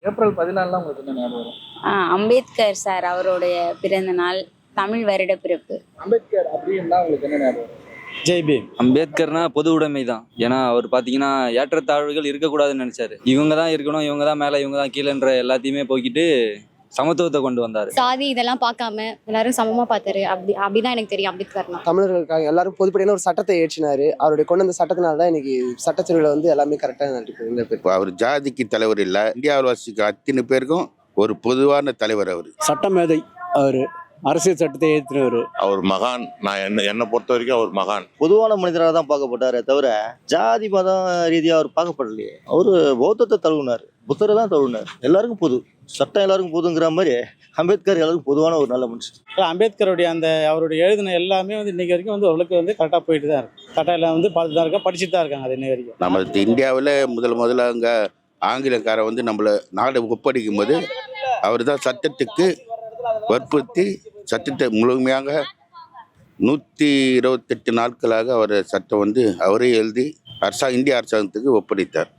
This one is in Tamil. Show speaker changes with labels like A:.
A: ஏப்ரல் 14 உங்களுக்கு என்ன ஞாபகம் வரும்?
B: அம்பேத்கர் சார் அவருடைய பிறந்த நாள், தமிழ் வருட பிறப்பு.
A: அம்பேத்கர் அப்படின்னா உங்களுக்கு என்ன ஞாபகம் வரும்?
C: ஜெய்பீம்.
D: அம்பேத்கர்னா பொது உடைமை தான். ஏன்னா அவர் பார்த்தீங்கன்னா ஏற்றத்தாழ்வுகள் இருக்கக்கூடாதுன்னு நினைச்சாரு. இவங்க தான் இருக்கணும், இவங்க தான் மேலே, இவங்க தான் கீழேன்ற எல்லாத்தையுமே போக்கிட்டு சமத்துவத்தை கொண்டு வந்தாரு.
E: சாதி இதெல்லாம் பார்க்காம எல்லாரும் சமமா பார்த்தாரு. அப்படிதான் எனக்கு தெரியும் அம்பேத்கர்னா.
F: தமிழர்களுக்காக எல்லாரும் பொதுப்படியான ஒரு சட்டத்தை ஏற்றினாரு. அவருடைய கொண்டு வந்த சட்டத்தினால தான் இன்னைக்கு சட்டத்துறையில வந்து எல்லாமே கரெக்டாக நடக்குது.
G: இப்போ அவர் ஜாதிக்கு தலைவர் இல்லை, இந்தியாவில் வசிக்க அத்தனை பேருக்கும் ஒரு பொதுவான தலைவர். அவர்
C: சட்டமேதை, அவர் அரசியல் சட்டத்தை ஏற்றினவர்.
H: அவர் மகான். நான் என்னை பொறுத்த வரைக்கும் அவர் மகான்.
I: பொதுவான மனிதராக தான் பார்க்கப்பட்டாரே தவிர ஜாதி மதம் ரீதியாக அவர் பார்க்கப்படலையே. அவரு பௌத்தத்தை தழுவினார், புத்தரை தான் தழுவினார். எல்லாருக்கும் பொது சட்டம், எல்லாருக்கும் பொதுங்கிற மாதிரி அம்பேத்கர் எல்லாருக்கும் பொதுவான ஒரு நல்ல மனுஷன்.
C: அம்பேத்கருடைய அவருடைய எழுதின எல்லாமே இன்னைக்கு வரைக்கும் அவர்களுக்கு கரெக்டாக போயிட்டு தான் இருக்கு. கரெக்டாக எல்லாம் பார்த்துட்டு தான் இருக்காங்க, படிச்சுட்டு தான் இருக்காங்க. அது இன்னை வரைக்கும்
G: நம்ம இந்தியாவில் முதல்ல அங்கே ஆங்கிலக்காரன் நம்மளை நாடு ஒப்படைக்கும் போது அவர் தான் சட்டத்துக்கு வற்புறுத்தி சட்டத்தை முழுமையாக 128 நாட்களாக அவர் சட்டம் அவரே எழுதி இந்திய அரசாங்கத்துக்கு ஒப்படைத்தார்.